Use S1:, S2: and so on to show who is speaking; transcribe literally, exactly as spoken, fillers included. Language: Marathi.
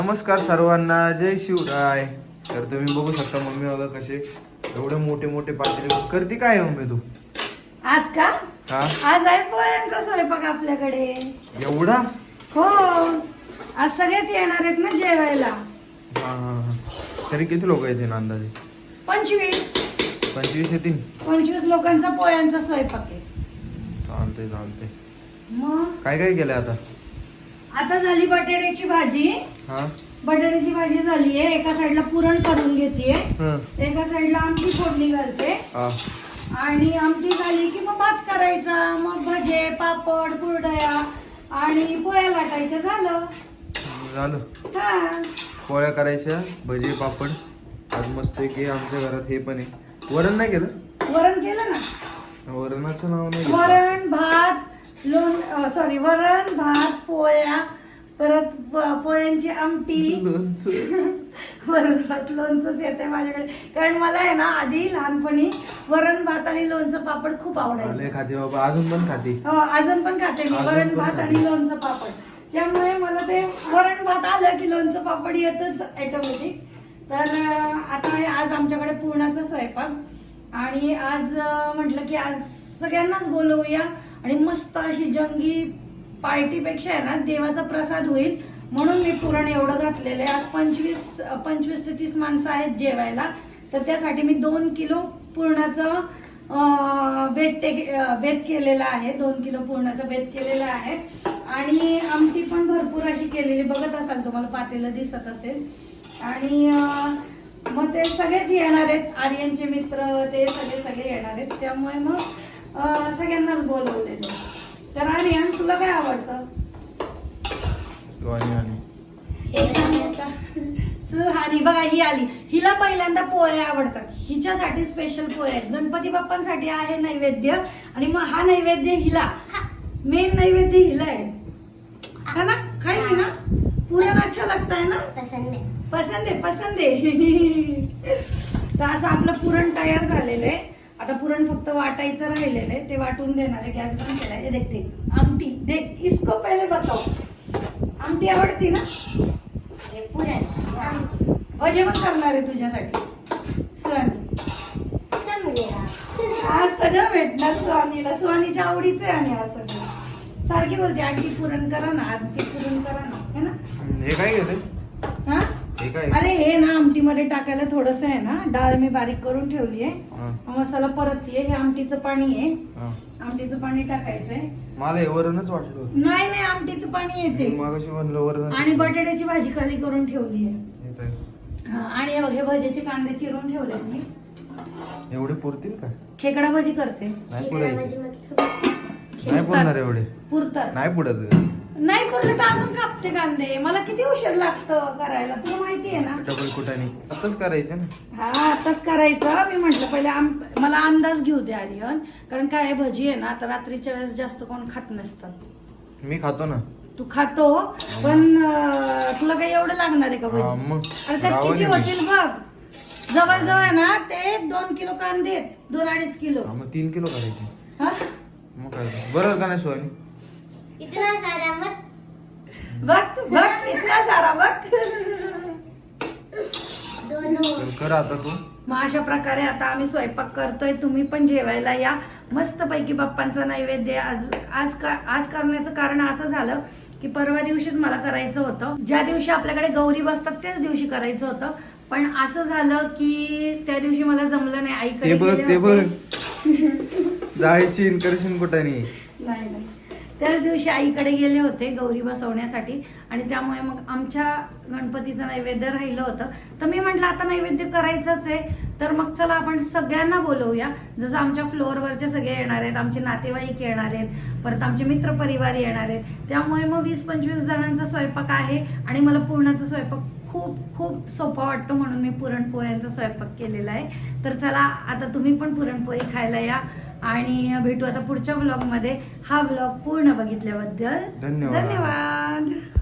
S1: नमस्कार सर्वांना, जय शिवराय. तर तुम्ही बघू शकता मम्मी बघा कसे एवढे मोठे मोठे पातेले करते. काय आहे मम्मी तू
S2: आज का
S1: हा
S2: आज आहे पोळ्यांचा स्वयंपाक आपल्याकडे.
S1: एवढा?
S2: हो, आज सगळेच येणार आहेत ना जेवायला.
S1: हा हा हा. तरी किती लोक येतील अंदाजे?
S2: पंचवीस
S1: पंचवीस येतील.
S2: पंचवीस लोकांचा पोळ्यांचा स्वयंपाक आहे.
S1: चालते चालते.
S2: मग
S1: काय काय केलंय आता?
S2: आता झाली बटाट्याची भाजी.
S1: हा
S2: बटाट्याची भाजी झाली आहे. एका साईडला पुरण करून घेतेय,
S1: हा
S2: एका साईडला आमटी फोडणी घालते
S1: हा.
S2: आणि आमटी झाली की मग भात करायचा, मग भजे पापड कुरडया आणि पोळ्या लाटायच्या. झालं
S1: झालं.
S2: हा,
S1: पोळ्या करायच्या, भजे पापड. आज मस्त की आमच्या घरात हे पण आहे. वरण नाही केलं?
S2: वरण केलं ना.
S1: वरणाचं नाव नाही घेतलं.
S2: वरण भात लोण सॉरी वरण भात पोळ्या, परत प- पोळ्यांची आमटी,
S1: लोणचं.
S2: वरण भात लोणचंच येते माझ्याकडे. कारण मला आहे ना आधी लहानपणी वरण भात आणि लोणचं पापड खूप
S1: आले
S2: आवडायचं.
S1: खाते बाबा, अजून पण खाते.
S2: हो, अजून पण खाते मी
S1: अजून
S2: वरण
S1: पण
S2: भात
S1: खाते.
S2: आणि लोणचं पापड. त्यामुळे मला ते वरण भात आलं की लोणचं पापड येतच ऑटोमॅटिक. तर अं, आता आहे आज आमच्याकडे पुरणाचा स्वयंपाक आणि आज अं, म्हटलं की आज सगळ्यांनाच बोलवूया आणि मस्त अशी जंगी पार्टीपेक्षा आहे ना देवाचा प्रसाद होईल म्हणून मी पुरण एवढं घातलेलं आहे. आज पंचवीस पंचवीस ते तीस माणसं आहेत जेवायला. तर त्यासाठी मी दोन किलो पुरणाचं अं, बेत टे अं, बेत केलेला आहे. दोन किलो पुरणाचं बेत केलेलं आहे आणि आमटी पण भरपूर अशी केलेली बघत असाल, तुम्हाला पातेलं दिसत असेल. आणि अं, मग ते सगळेच येणार आहेत, आर्यनचे मित्र ते सगळे सगळे येणार आहेत. त्यामुळे मग अं, सगळ्यांनाच बोलवलेलं. तर आर्यन तुला काय आवडतं?
S1: शिवानी आली.
S2: हे सांगू का? सुहानी बघा ही आली. हिला पहिल्यांदा पोळ्या आवडतात. हिच्यासाठी स्पेशल पोळ्या आहेत. गणपती बाप्पांसाठी आहे नैवेद्य आणि मग हा नैवेद्य हिला, मेन नैवेद्य हिला आहे. है ना? खाई ना? पुरण अच्छा लगता है ना?
S3: पसंद है.
S2: पसंद आहे पसंद आहे. तर असं आपलं पुरण तयार झालेलं आहे. आता पुरण फक्त वाटायचं राहिलेलं आहे, ते वाटून देणार आहे. गॅस बंद केलाय. हे देख देख आमटी देख, इसको पहिले बताओ. आमटी आवडती ना?
S3: ये पुरण
S2: भजे पण करणार आहे तुझ्यासाठी सुहानी.
S3: सब मिलेगा.
S2: आज सगळं भेटणार सुहानीला. सुहानीच्या आवडीचं आहे आणि आज सगळं. सारखी बोलते आंटी पुरण करा ना, आंटी पुरण करा ना, है ना?
S1: हे काय घेते?
S2: हा,
S1: हे काय?
S2: अरे हे ना आमटीमध्ये टाकायला थोडस आहे ना, डाळ मी बारीक करून ठेवली आहे.
S1: हा,
S2: मसाला परततीये. हे आमटीचं पाणी आहे.
S1: हा.
S2: आमटीचं पाणी टाकायचंय.
S1: मला हे वरणच वाटलं होतं.
S2: नाही नाही आमटीचं पाणी येते.
S1: मगाशी म्हणलं वरण.
S2: आणि बटाट्याची भाजी खाली करून ठेवली आहे.
S1: येत आहे.
S2: हा, आणि हे- हे भज्याचे कांदे चिरून ठेवले मी.
S1: एवढे पुरतील का?
S2: खेकडा भाजी करते.
S1: नाही
S3: इकडे
S1: पुरायचे.
S3: माझी मतलब
S1: नाही पुरणार एवढे.
S2: पुरतात.
S1: नाही पुरत.
S2: नाही पुरले तर अजून कापते कांदे. मला किती उशीर लागतं करायला तुला माहिती आहे ना.
S1: डबल कुटाने आताच करायचं ना.
S2: हा, आताच करायचं. मी म्हंटल पहिले आम- मला अंदाज घेऊ दे आर्यन. कारण काय आहे, भजी आहे ना तर रात्रीच्या वेळेस जास्त कोण खात नसतात.
S1: मी खातो ना.
S2: तू खातो पण अं, तुला काही एवढं लागणार आहे का
S1: हा,
S2: भजी?
S1: मग
S2: अरे त्यात
S1: रावण
S2: किती
S1: आहे मी.
S2: होतील बघ. जवळ जवळ ना ते दोन किलो कांदे आहेत. दोन अडीच किलो.
S1: हा, मग तीन किलो करायचे.
S2: हा,
S1: मग काय बरोबर का नाही शिवानी?
S3: इतना सारा मत.
S2: बघ बघ इतका सारा बघ.
S3: दोनों
S1: तर कर आता तू.
S2: मग अशा प्रकारे आता आम्ही स्वयंपाक करतोय. तुम्ही पण जेवायला या. मस्त पैकी बाप्पांचा नैवेद्य आज आज का आज करण्याचं कारण असं झालं की परवा दिवशीच मला करायचं होतं. ज्या दिवशी आपल्याकडे गौरी बसतात त्याच दिवशी करायचं होतं. पण असं झालं की त्या दिवशी मला जमलं नाही.
S1: ते
S2: आईकडे
S1: बघ
S2: गेले
S1: ते बघ.
S2: होते.
S1: जायशीन करशील कुठाने.
S2: नाही नाही, त्याच दिवशी आईकडे गेले होते गौरी बसवण्यासाठी आणि त्यामुळे मग आमच्या गणपतीचं नैवेद्य राहिलं होतं. तर मी म्हटलं आता नैवेद्य करायचंच आहे तर मग चला आपण सगळ्यांना बोलवूया. जसं आमच्या फ्लोअरवरचे सगळे येणार आहेत, आमचे नातेवाईक येणार आहेत, परत आमचे मित्रपरिवार येणार आहेत. त्यामुळे मग वीस पंचवीस जणांचा स्वयंपाक आहे आणि मला पुरणाचा स्वयंपाक खूप खूप सोपा वाटतो म्हणून मी पुरणपोळ्यांचा स्वयंपाक केलेला आहे. तर चला आता तुम्ही पण पुरणपोळी खायला या आणि भेटू आता पुढच्या व्लॉगमध्ये. हा व्लॉग पूर्ण बघितल्याबद्दल
S1: धन्यवाद.
S2: धन्यवाद.